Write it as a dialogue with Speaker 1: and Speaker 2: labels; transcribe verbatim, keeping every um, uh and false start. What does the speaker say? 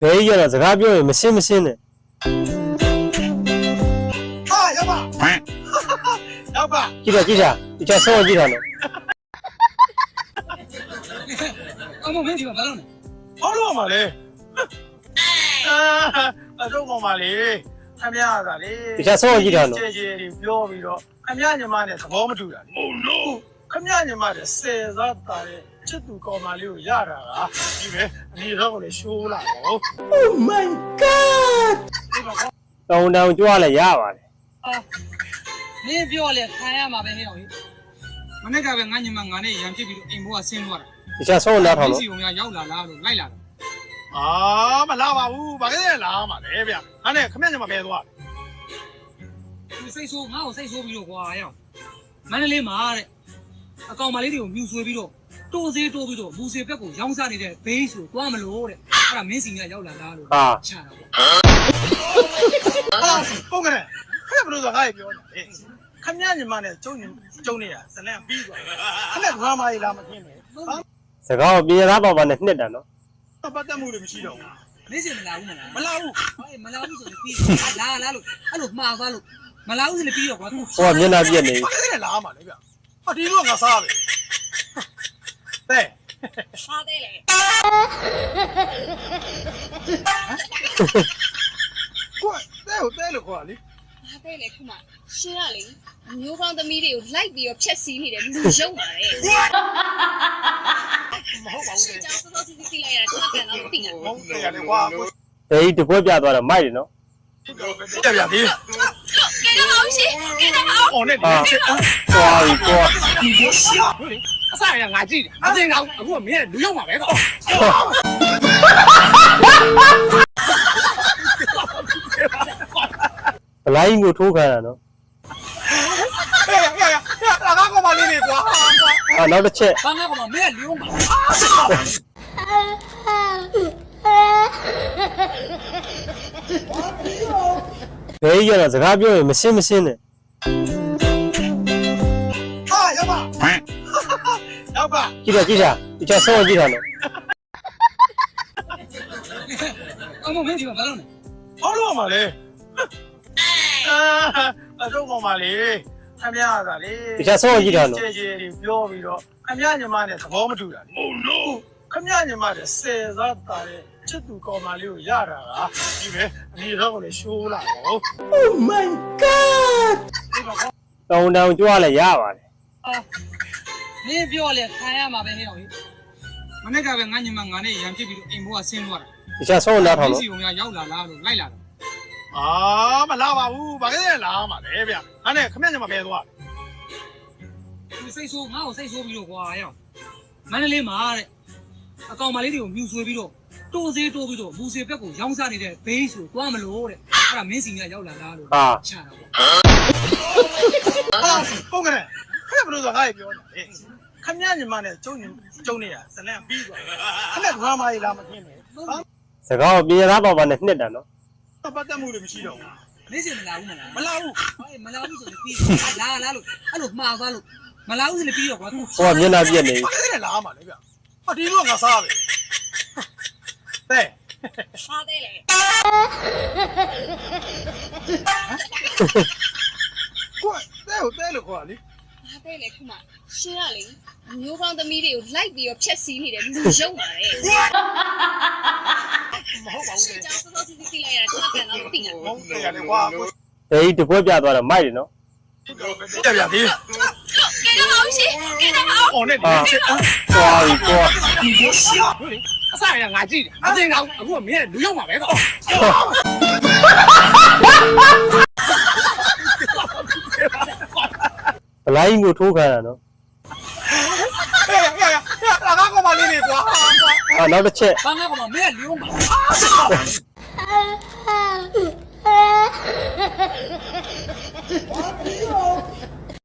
Speaker 1: ဘယ်ကြီးကတော့စကားပြောရင်မရှင်းမရှင်းနဲ့
Speaker 2: ဟာရောက်ပါရောက်ပါ
Speaker 1: ကြည့်တာကြည့်တာဒီချဆောင်းကြည့်တာနော်
Speaker 3: အမမင်းဒီမှာဘာလုပ်လဲ
Speaker 2: ဘာလို့မှာလဲအာအတော့ကောင်ပါလေခမရတာလေ
Speaker 1: ဒီချဆောင်းကြည့်တာနော်
Speaker 2: ကျေကျေပြောပြီးတော့ခမရညီမနဲ့သဘောမတူတာလေ Oh no ခမရညီမနဲ့ဆယ်စားတာတဲ့ချစ်သူကောင်မလေးကိုရတာကဒီပဲအမေတော့ကိုလည်းရှိုးလာတော့
Speaker 1: Oh my god တောင်းတောင်းကြွားလဲရပါတယ်
Speaker 3: အာမင်းပြောလဲခံရမှာပဲဟဲ့အောင်ကြီးမနေ့ကပဲငါညီမငါနဲ့ရံဖြစ်ပြီးတော့အိမ်ဘောကဆင်းသွားတာ
Speaker 1: ဒီချဆောင်းနားထောင်လို့
Speaker 3: စီုံကရောက်လာလားလို့လိုက်လာတော့
Speaker 2: အာမလာပါဘူးဘာလဲလာမှာလဲဗျဟာနဲ့ခမရညီမပဲသွား
Speaker 3: သူစိတ်ဆိုးငါ့ကိုစိတ်ဆိုးပြီးတော့ကွာရအောင်မန္တလေးမှာတဲ့အကောင်မလေးတွေကိုမြူဆွေးပြီးတော့တိုးစေးတိုးပြီးတော့မူစေဘက်ကိုရောင်းစားနေတဲ့ဘေးဆိုသွားမလို့တဲ့အဲ့ဒါမင်းစီကရောက်လာလားလို့
Speaker 1: ဟာ
Speaker 3: ချတာပေါ့
Speaker 2: ဟာဟုတ်ကဲ့ခမရဘလို့ဆိုငါ့ပြောနေတယ်ခမရညီမနဲ့ကျုံကျုံနေတာဇလန်ပြီးသွားခမရဒရာမာကြီးလာမသိနဲ့
Speaker 1: စကားကိုပြေသားပါပါနဲ့နှစ်တာနော်
Speaker 2: ပတ်သက်မှုတွေမရှိတော့ဘူး
Speaker 3: မင်းစီမလာဘူးမလား
Speaker 2: မလာဘူး
Speaker 3: ဟေးမလာဘူးဆိုရင်ပြီးလာလာလို့အဲ့လိုမှားသွားလို့မလာဘူးဆိုရင်ပြီးတော့ကွာ
Speaker 1: ဟိုကမျက်နှာပြက်နေ
Speaker 2: ပြီအဲ့ဒါလာမှာလေဗျဟာဒီလိုကငါစားပဲတဲ့
Speaker 3: စားသေးလေ
Speaker 2: ကိုတဲ့ဟိုတဲ့လို့ခေါ်လေ
Speaker 4: ဟာတဲ့လေခုမှရှင်းရလေမျိုးကောင်းသမီးတွေကိုလိုက်ပြီးတော့ဖြက်စီးနေတယ်လူရုံပါလေ
Speaker 2: မဟုတ်ပါဘူးတဲ့
Speaker 4: ကျောင်းစောစီစီလိုက်ရတာကျွန်တော်ကတော့သိတာ
Speaker 2: ဟုတ်တယ်ရတယ်ကွာ
Speaker 1: ဘယ်ကြီးတကွက်ပြသွားတော့မိုက်တယ်နော်
Speaker 2: ပြပြသေး
Speaker 4: ကဲတော့အောင်ရှင်ကဲတော့အောင်
Speaker 2: အော်နဲ့ဒီချစ်
Speaker 1: သွားပြီကွာ
Speaker 2: ဒီကိုရှာအစားရငါကြည့်တယ်အတင်းကောင်အခုကမင်းလူရောက်မှာပဲကော
Speaker 1: ဘလိုင်းကိုထိုးခံရနော်
Speaker 2: ဟဲ့ဟဲ့ဟဲ့လာကောင်းပါလေးတွေကွာ
Speaker 1: ဟာနောက်တစ်ချက်
Speaker 3: ဘာငါကမင်းလူရောက်မှာ
Speaker 1: ဘယ်ကြီးကတော့စကားပြောရင်မရှင်းမရှင်းနဲ့
Speaker 2: ဟာရောက်ပါရောက်ပါ
Speaker 1: ကြည့်တာကြည့်တာဒီချဆောင်းကြည့်တာနော်
Speaker 3: အမမင်းဒီမှာဘာလုပ်လဲ
Speaker 2: ဘာလို့မှာလဲအာအတော့ကောင်ပါလေခမရတာလေ
Speaker 1: ဒီချဆောင်းကြည့်တာနော်
Speaker 2: ကျေကျေပြောပြီးတော့ခမရညီမနဲ့သဘောမတူတာလေ Oh no ခမရညီမနဲ့ဆယ်စားတာတဲ့ချစ်သူကောင်မလေးကိုရတာကဒီပဲအမေတော့ကိုလည်းရှိုးလာတော့
Speaker 1: Oh my god တောင်းတောင်းကြွားလဲရပါတယ်
Speaker 3: အာမင်းပြောလဲခံရမှာပဲဟဲ့အောင်ကြီးမနေ့ကပဲငါညီမငါနဲ့ရံဖြစ်ပြီးတော့အိမ်ဘောကဆင်းသွားတာ
Speaker 1: ဒီချဆောင်းနားထောင်လို့
Speaker 3: စီုံကရောက်လာလားလို့လိုက်လာတော့
Speaker 2: အာမလာပါဘူးဘာလဲလာမှာလဲဗျဟာနဲ့ခမရညီမပဲသွား
Speaker 3: သူစိတ်ဆိုးငါ့ကိုစိတ်ဆိုးပြီးတော့ကွာရအောင်မန္တလေးမှာတဲ့အကောင်မလေးတွေကိုမြူဆွေးပြီးတော့တိုးစေးတိုးပြီးတော့မူစေဘက်ကိုရောင်းစားနေတဲ့ဘေးဆိုသွားမလို့တဲ့အဲ့ဒါမင်းစီကရောက်လာလားလို့
Speaker 1: ဟာ
Speaker 3: ချတာပေါ့
Speaker 2: ဟာဟုတ်ကဲ့ခမရဘလို့ဆိုငါ့ပြောနေတယ်ခမရညီမနဲ့ကျုံကျုံနေတာဇလန်ပြီးသွားခမရဒရာမာကြီးလာမသိနဲ့
Speaker 1: စကားကိုပြေသားပါပါနဲ့နှစ်တာနော်
Speaker 2: ပတ်သက်မှုတွေမရှိတော့ဘူး
Speaker 3: မင်းစီမလာဘူးမလား
Speaker 2: မလာဘူး
Speaker 3: ဟေးမလာဘူးဆိုရင်ပြီးလာလာလို့အဲ့လိုမှားသွားလို့မလာဘူးဆိုရင်ပြီးတော့ကွာ
Speaker 1: ဟိုကမျက်နှာပြက်နေပြီ
Speaker 2: အဲ့ဒါလာမှာလေဗျဟာဒီလိုကငါစားပဲတဲ့
Speaker 4: စားသေးလေ
Speaker 2: ကိုတဲ့ဟိုတဲ့လို့ခေါ်လေ
Speaker 4: ဟာတဲ့လေခုမှရှင်းရလေမျိုးကောင်းသမီးတွေကိုလိုက်ပြီးတော့ဖြက်စီးနေတယ်လူရုံပါလေ
Speaker 2: မဟုတ်ပါဘူးတဲ့
Speaker 4: ကျောင်းစောစီစီလိုက်ရတာကျွန်တော်ကတော့သိတာ
Speaker 2: ဟုတ်တယ်ရတယ်ကွာ
Speaker 1: ဘယ်ကြီးတကွက်ပြသွားတော့မိုက်တယ်နော်
Speaker 2: ပြပြသေး
Speaker 4: ကဲတော့အောင်ရှင်ကဲတော့အောင်
Speaker 2: အော်နဲ့ဒီချစ်
Speaker 1: သွားပြီကွာ
Speaker 2: ဒီကိုရှာအစားရငါကြည့်တယ်အတင်းကောင်အခုကမင်းလူရောက်မှာပဲကော
Speaker 1: ဘလိုင်းကိုထိုးခံရနော်
Speaker 2: ဟဲ့ဟဲ့ဟဲ့လာကောင်းပါလေးတွေကွာ
Speaker 1: ဟာနောက်တစ်ချက်
Speaker 3: ဘာငါကမင်းလူရောက်မှာ
Speaker 4: ဘာ